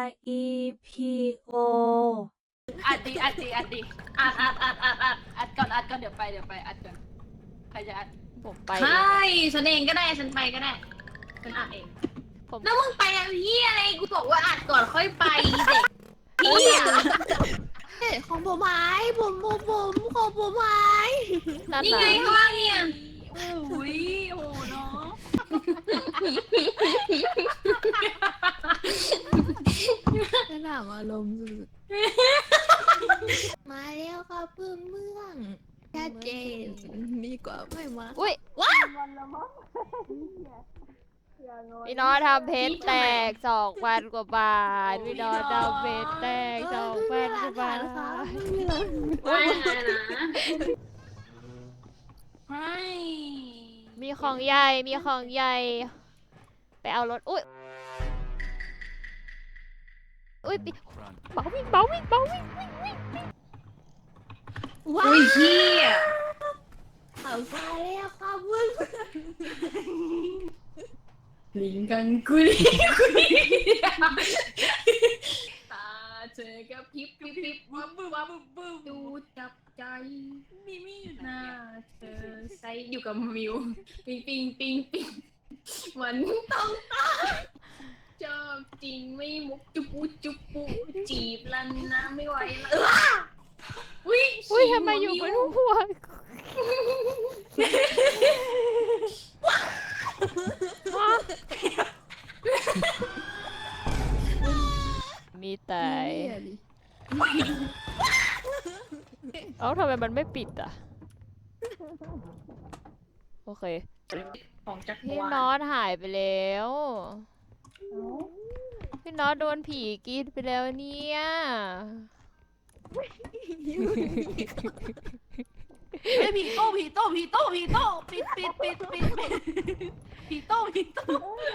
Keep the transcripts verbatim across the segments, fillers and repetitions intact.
อี พี โออัดดิอัดดิอัดดิอัดอัดอัดอัดอัดอัดก่อนอัดก่อนเดี๋ยวไปเดี๋ยวไปอัดก่อนใครจะอัดผมไปใช่ฉันเองก็ได้ฉันไปก็ได้ฉันอัดเองผมแล้วมึงไปอะไรเฮียอะไรกูบอกว่าอัดก่อนค่อยไปเด็กเฮียของผมหายผมผมผมของผมหายนั่นนี่น่ะไงข้างล่างเนี่ยอุ้ยโอ้เนาะสนามอารมณ์สุดๆมาแล้วค่ะเพื่อนเมืองชัดเจนดีกว่าไม่มาอุ้ยว้าพี่น้องทำเพชรแตกสองพันกว่าบาทพี่น้องทำเพชรแตกสองพันกว่าบาทว่ายังไงนะไม่มีของใหญ่มีของใหญ่ไปเอารถอุ้ยอุ้ยปิเบาวิ่งเบาวิ่งเบาวิ่งวิ่งวิ่งว้าอุ้ยเฮียเอาไปแล้วค่ะเพื่อนลิงกังกุลีกุลีตาเธอกับพริบพริบพริบบึ้มบึ้มบึ้มบึ้มดูจับใจมีมีอยู่หไหนน้าอะเธอใส่อยู่กับมิวปิงปิงปิงปิงมันต้องตายชอบจริงไม่มุกจุบปูจุบปูจีบลันนะไม่ไหวแล้วอุ้ยอุ้ยทำไมอยู่บนหัวมีแต่เอ้าทำไมมันไม่ปิดอ่ะโอเคของจักรพี่วาลน็อตหายไปแล้วพี่น็อตโดนผีกินไปแล้วเนี่ยเฮ้ยผีโต้ผีโต้ผีโต้ผีโต้ปิดปิดปิดปิดปิดผีโต้ผีโต้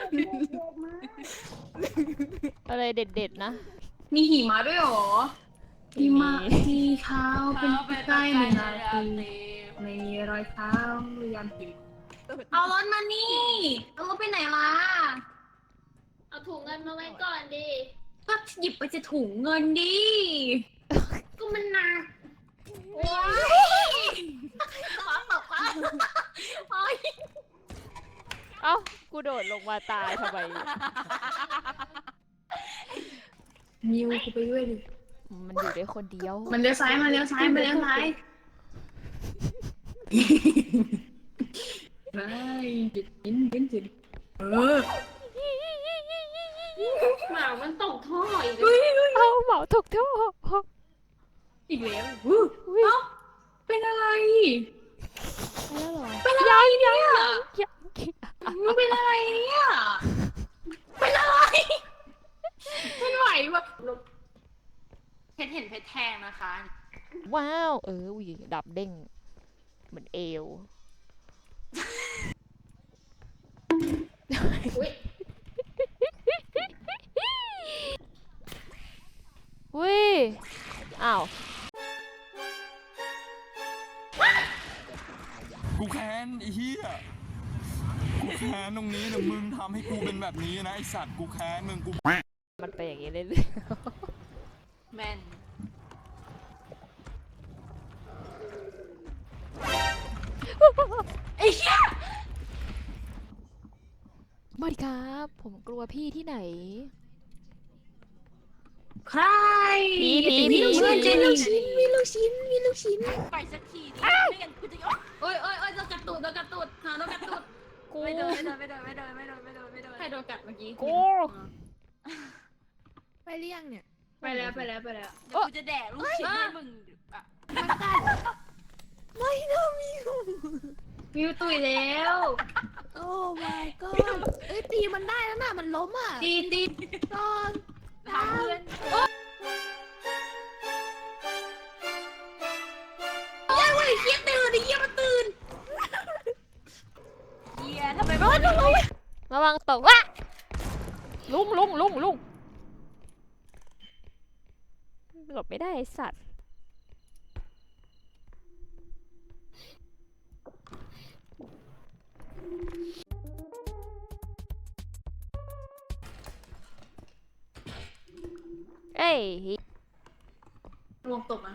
อะไรเด็ดๆนะมีหิมะด้วยเหรอหิมะมีที่ขาวเป็นเอาไปใกล้หนึ่งนาเต็ทีมไม่มีรอยเท้าหรือยันผิวเอารถมานี่เอารถไปไหนล่ะเอาถุงเงินมาไว้ก่อนดิก็หยิบไปจะถุงเงินดิ ก็มันหนักว้ายฟ้าตกฟ้าโอ๊ยเอ้ากูโดดลงมาตายทำไมมิวกูไปด้วยดิมันอยู่ได้คนเดียวมันเลี้ยวซ้ายมาเลี้ยวซ้ายมาเลี้ยวซ้ายไปจิตจินจินจินเออหมามันตกท่ออีกเฮ้ยเอาเหมาถูกท่ออีกแล้วอู้อุ๊ยเอ้าเป็นอะไรแล้วเหรอเป็นอะไรเนี่ยยังมึงเป็นอะไรเนี่ย เป็นอะไร เป็นไหวปะเพชรเห็นเพชรแทงนะคะว้าวเอออุ้ยดับเด้งเหมือนเอวอุ้ยอุ้ยอ้าวกูแค้นไอ้เหี้ย กูแค้นตรงนี้เนี่ยมึงทำให้กูเป็นแบบนี้นะไอสัตว์กูแค้นมึงกูมันไปอย่างนี้เรื่อยแมนๆไอ้เหี้ยมาดิครับ ผมกลัวพี่ที่ไหนใครผีผีผีมีลูกชิ้นเจนลูกชิ้นมีลูกชิ้นมีลูกชิ้นไปสักทีดิไม่งั้นกูจะยกโอ้ยโอ้ยโอ้ยโดนกัดตูดโดนกัดตูดหาโดนกัดตูดกูไม่โดนไม่โดนไม่โดนไม่โดนไม่โดนไม่โดนไม่โดนใครโดนกัดเมื่อกี้กูไปเรียงเนี่ยไปแล้วไปแล้วไปแล้วเดี๋ยวกูจะแดกลูกชิ้นให้มึงอ่ะมันกัดไม่นะมิวมิวตุยแล้วโอ้ my god เอ้ยตีมันได้แล้วน่ะมันล้มอ่ะตีตีตอนทำเพื่อนยังไงเฮียตื่นไอ้เฮียมันตื่นเฮียทำไมไม่ลงระวังตกวะลุงลุงลุงลุงหลบไม่ได้ไอ้สัตว์เอ้ยรวมตบมา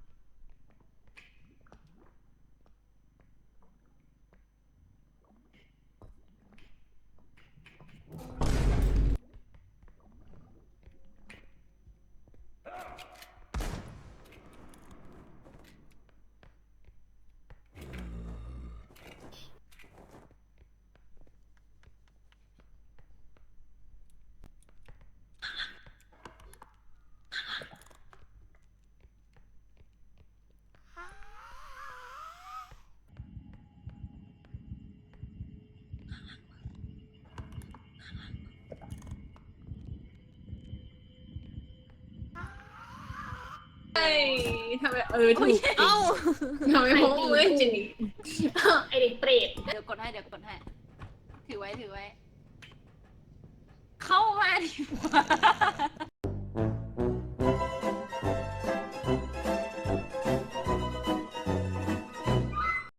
เฮ้ยทำไมเออถูกเอ้าทำไมโม้เว้ยจินี่ไอเด็กเปรตเดี๋ยวกดให้เดี๋ยวกดให้ถือไว้ถือไว้ เข้ามาดิวะ